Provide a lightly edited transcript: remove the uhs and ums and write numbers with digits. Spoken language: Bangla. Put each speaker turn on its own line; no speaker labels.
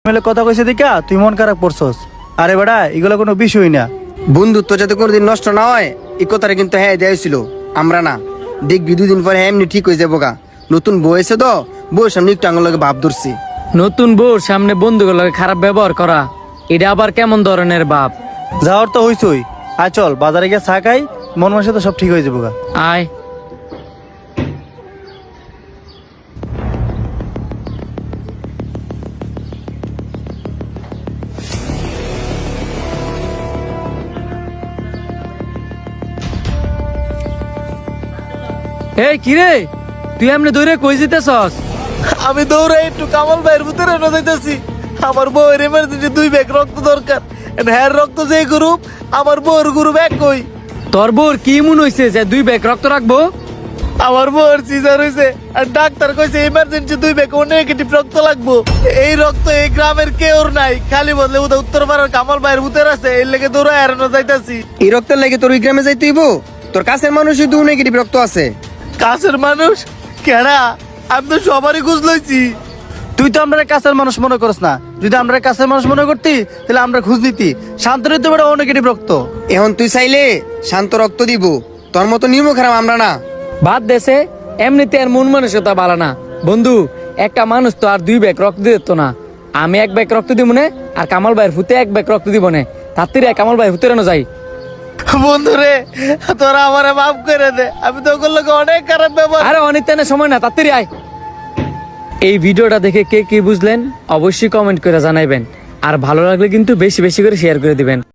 মিলে কথা কইছে দিকা তুই মন খারাপ করছস। আরে বেটা এগুলো কোনো বিষয় না।
বন্ধুত্ব যাতে কোনোদিন নষ্ট না হয় এই কথাটা কিন্তু হ্যাঁ দেওয়া আমরা না দেখবি 2 দিন পরে এমনি ঠিক হয়ে যাবো গা। নতুন বউ এসে তো বউর সামনে একটু আঙুলকে ভাব ধরছি।
নতুন বউর সামনে বন্ধুগুলোকে খারাপ ব্যবহার করা, এটা আবার কেমন ধরনের বাপ?
যাওয়ার তো হইছই। আয় চল বাজারে গিয়ে চা খাই, মন মাসে তো সব ঠিক হয়ে যাবো গা।
আয়। এই কিরে, তুই এমনি দৌড়ে কই যেতেছস?
আমি দৌড়ে একটু কামাল ভাইয়ের ভিতরে যাইতেছি। আমার বউয়ের এমার্জেন্সি 2 ব্যাগ রক্ত দরকার। হ্যার রক্ত যে গ্রুপ, আমার বউয়ের গ্রুপ এক কই।
তোর বউর কি মন হইছে যে 2 ব্যাগ রক্ত রাখবো?
আমার বউয়ের সিজার হইছে আর ডাক্তার কইছে এমার্জেন্সি 2 ব্যাগ ও নেগেটিভ রক্ত লাগবো। এই রক্ত এই গ্রামের কেউ নাই, খালি বদলে উত্তরপাড়ার কামাল ভাইয়ের ভিতরে আছে। এর লেগে দৌড়ে এড়ানো যাইতাছি।
এই রক্তের লাগে তোর ওই গ্রামে যাইতে হইব? তোর কাছের মানুষই 2 নেগেটিভ রক্ত আছে।
কাছের মানুষ কেডা? আমি তো সবারই খোঁজ লইছি। তুই তো আমরা কাছের মানুষ মনে করস না। যদি আমরা কাছের মানুষ মনে করতি তাহলে আমরা খোঁজ নিতি। শান্তরিত বেড়া ও নেগেটিভ রক্ত।
এখন তুই চাইলে শান্ত রক্ত দিব, তোর মতো নিয়ম খারাপ আমরা না।
বাদ দেশে এমনিতে আর মন মানসিকতা ভালো না। বন্ধু, একটা মানুষ তো আর 2 ব্যাগ রক্ত দিত না। আমি 1 ব্যাগ রক্ত দিব না, আর কামাল ভাইয়ের ফুতে 1 ব্যাগ রক্ত দিব না। তাত্তিরে কামাল ভাই ফুতে যাই।
বন্ধু রে, তোরা আমারে মাফ করে দে। আমি তো ওগুলো অনেক খারাপ ব্যবহার।
আরে অনিত্যানে সময় না, তাত্তিরে আয়। এই ভিডিওটা দেখে কে কি বুঝলেন অবশ্যই কমেন্ট করে জানাইবেন, আর ভালো লাগলে কিন্তু বেশি বেশি করে শেয়ার করে দিবেন।